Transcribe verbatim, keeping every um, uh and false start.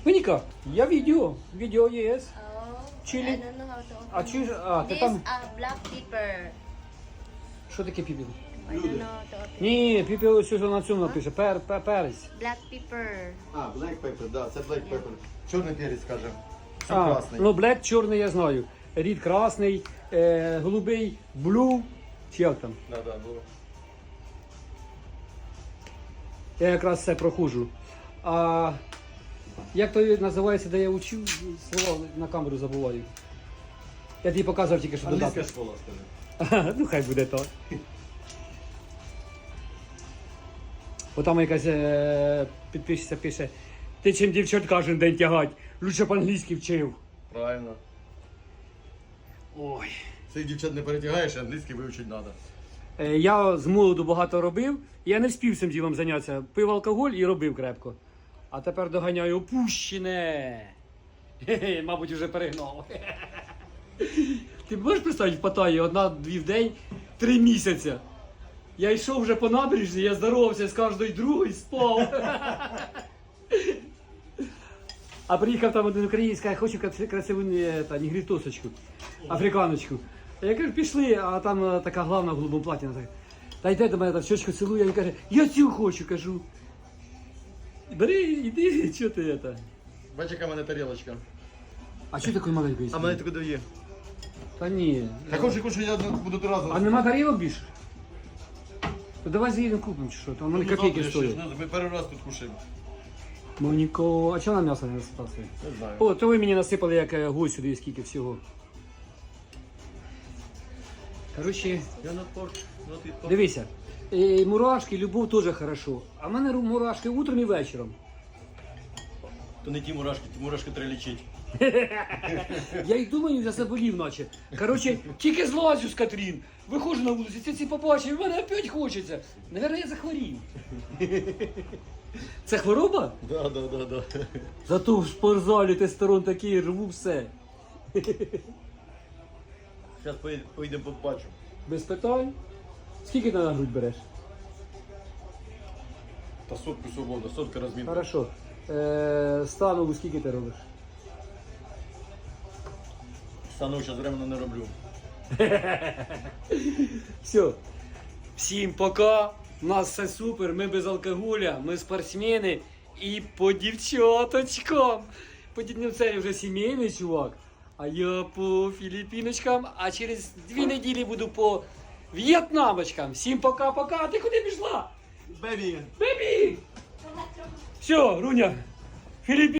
Моніка, я відео. Відео є. Oh, Chili. I don't know how to open А чи ж- а, ти This там- uh, black pepper. Що таке піпіл? I don't know how to open. Ні, піпіл ось ось на цьому напише. Пер, пер, перець. Black pepper. А, black pepper, да, це black pepper. Чорний перець, скажем. Це А, красний. ну, блек чорний я знаю. Рід красний, е, голубий, блю. Чи як там? Да, да, було. Я якраз це проходжу. А як то називається, де я учив, слова на камеру забуваю. Я тобі показував тільки що Англійська додати. школа, скажи. Ну хай буде так. Бо там якась е, підписчиця пише, ти чим дівчат кожен день тягать, лучше б англійський вчив. Правильно. Ой. Цих дівчат не перетягаєш, англійський вивчити треба. Е, Я з молоду багато робив, і я не встиг цим ділом зайнятися. Пив алкоголь і робив крепко. А тепер доганяю опущене. Хе-хе, мабуть, вже перегнав. Ти можеш представити в Паттайі одна-дві в день, три місяці. Я йшов вже по набережні, я здоровався з кожною другою, спав. А приїхав там один українець, каже, хочу краси- красиву не, та, нігрітосочку, африканочку. Я кажу, пішли, а там е, така главна в голубому платі. Вона така, та йде до мене, там щочку цілує, він каже, я цю хочу, кажу. Бери, іди, що ти це? Бачиш, яка в мене тарілочка. А що такої маленької? А мене таке дає. Та ні. Так хочу, хочу, я буду три рази. А нема тарілок більше? То давай заїдемо купимо чи що, там вони копійки стоять. Ми перший раз тут кушаємо. Моніко, а чого на м'ясо не насипався? Не знаю. О, то ви мені насипали як е, гусь сюди, скільки всього. Коротше, Я на порт, на ти порт. дивися, е, мурашки, любов теж хорошо. А в мене ру- мурашки утром і вечором. То не ті мурашки, ті мурашки треба лічити. Я й думаю, я заболів наче. Коротше, тільки злазю з Катрін. Виходжу на вулицю, ці ці побачив, і мене опять хочеться. Наверно, я захворів. Це хвороба? Да, да, да, да. Зато в спортзалі тестостерон такий, рву все. Зараз поїдемо побачу. Без питань. Скільки ти на грудь береш? Та сотку свобода, сотка розмінка. Хорошо. Е, станову скільки ти робиш? Стану зараз временно не роблю. Все. Всім пока. У нас все супер. Ми без алкоголя, ми спортсмени і по дівчаточкам. По дідням це вже сімейний чувак. А я по філіпіночкам, а через дві неділі буду по в'єтнамочкам. Всім пока-пока. Ти куди пішла? Бебі! Бебі! Все, Руня. Філіпі...